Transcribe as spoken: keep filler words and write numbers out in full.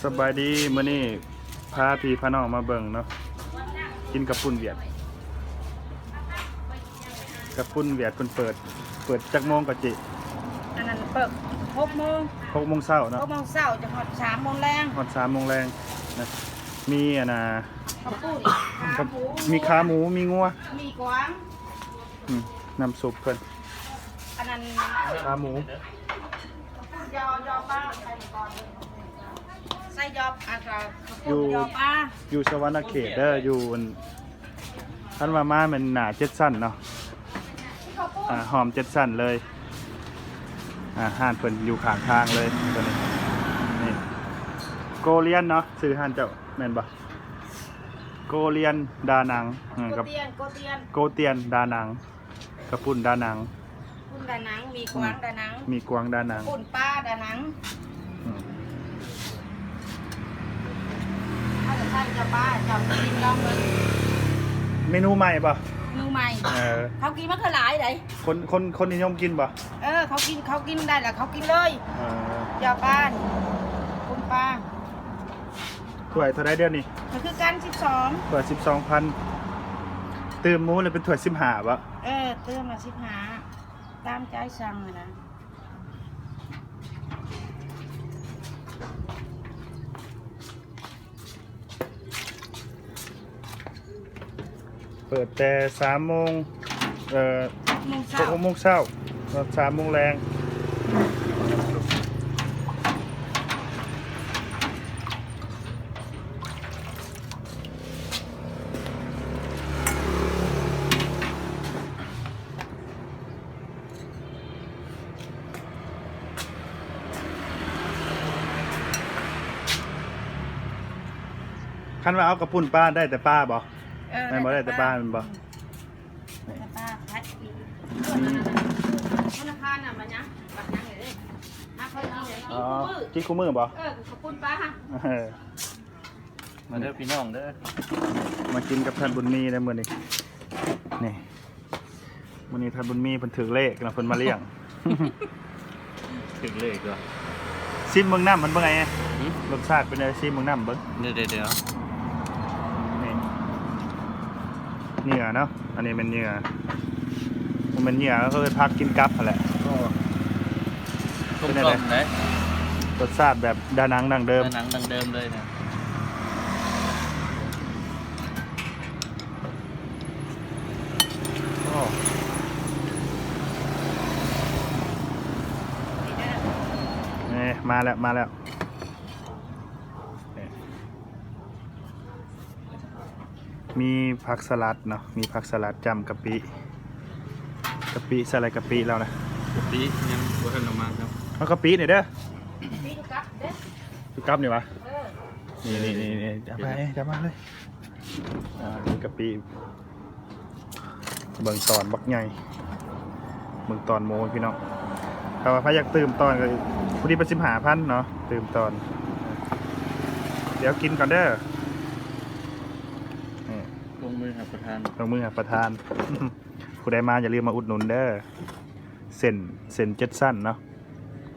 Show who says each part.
Speaker 1: สบายดีมื้อนี้พาพี่พาน้องมาเบิ่งเนาะกินกับปุ่นเวียดกับปุ่นเวียดเพิ่นเปิดเปิดจักโมงก็จิ
Speaker 2: อันนั้นเปิดหกโมง
Speaker 1: หกโมงเช้าเนาะ
Speaker 2: หกโมงเช้าจะหอดสามโมงแรง
Speaker 1: ฮอดสามโมงแรงนะมีอันน่ะ
Speaker 2: ข้าวปุ้นขาหมู
Speaker 1: มีขาหมูมีงัว
Speaker 2: มีกวาง
Speaker 1: อืมน้ำซุปเพิ่น
Speaker 2: อันนั้น
Speaker 1: ขาหมู
Speaker 2: ยอยอป้าใส่ก่อนใส่ยออันก็ข้าวปุ้นยอป้า
Speaker 1: อยู่สวรรณเขตเด้ออยู่ท่านว่ามามันหนาเจ็ดสั้นเนาะอ่าหอมเจ็ดสั้นเลยอ่าห้านเพิ่นอยู่ข้างทางเลยตัวนี้นี่โกเลียนเนาะซื้อห้านเจ้าแม่นบ่โกเลียนดานัง
Speaker 2: โกเตียนโกเตียน
Speaker 1: โกเตียนดานังกระปุ่นดานัง
Speaker 2: ปุ่นดานังมีกวางดานัง
Speaker 1: มีกวางดานัง
Speaker 2: ปุ่นป้าดานังถ้าจะใช่จะป้าจะกินลองเลย
Speaker 1: เมนูใหม่ป่ะ
Speaker 2: เมนูใหม่เขากินมะเขือหลายเลย
Speaker 1: คนคนคนนิยมกินป่ะ
Speaker 2: เออเขากินเขากินได้แหละเขากินเลยยาป้าปุ่นป้า
Speaker 1: ถ้วยเท่าไรเดือนนี่
Speaker 2: มันคือกันสิบสอง
Speaker 1: ถ้วยสิบสองพันเติมหมูเลยเป็นถ้วยสิบห้าป่ะ
Speaker 2: เออเติมมาสิบห้าตามใจสั่งเลยนะ
Speaker 1: เปิดแต่สามโมงเอ่อหกโมงเช้าสามโมงแรงคันว่าเอากระปุ่นป้าได้แต่ป้าบ่ไม่บ่ได้แต่ป้ามันบ่
Speaker 2: แต่ป้าแพ็คอีกธนาคารน่ะมันยังบัตรยังเลยนักเพิ่มอีกเลย
Speaker 1: กินคู่มือบ่
Speaker 2: เออขอบคุณป้า
Speaker 3: มาเด้อพี่น้องเด้อ
Speaker 1: มากินกับท่านบุญมีได้มื้อนี้นี่มื้อนี้ท่านบุญมีเพิ่นถือเลขนะเพิ่นมาเลี้ยง
Speaker 3: ถึงเลขเหรอ
Speaker 1: ซิมเมืองน้ำมันเป็นไงรสชาติเป็นไงซิมเมืองน้ำเบิ้ง
Speaker 3: เดี๋ยวเดี๋ยว
Speaker 1: นี่เนื้อเนาะอันนี้เป็นเนื้อมันเป็นเนื้อแล้วก็เลยพักกินกับอะไร
Speaker 3: เป็นอะไร
Speaker 1: รสชาติแบบดานังดังเดิม
Speaker 3: ดานังดังเดิมเลยนะ
Speaker 1: นี่มาแล้วมาแล้วมีผักสลัดเนาะมีผักสลัดจำกะปิกะปิใส่อะไรกะปิแล้วนะ
Speaker 3: กะปิยังบัวทันออกมาครับ
Speaker 1: เอากะปิหน่อยเด้อ
Speaker 2: ปีกกับเด้อ
Speaker 1: ปีกับนี่วะนี่นี่นี่นี่จับไปจับมาเลยอ่านี่กะปิเบิ่งตอนบักใหญ่เบิ่งตอนโมพี่น้องถ้าว่าพายากตื่มตอนก็พอดีเป็นสิบห้าพันเนาะตื่มตอนเดี๋ยวกินก่อนเด้อ
Speaker 3: ลงมือหาประทาน
Speaker 1: ลงมือหาประทานผู้ใดมาอย่าลืมมาอุดหนุนเด้อเส้นเส้นเจ็ดสั้นเนาะ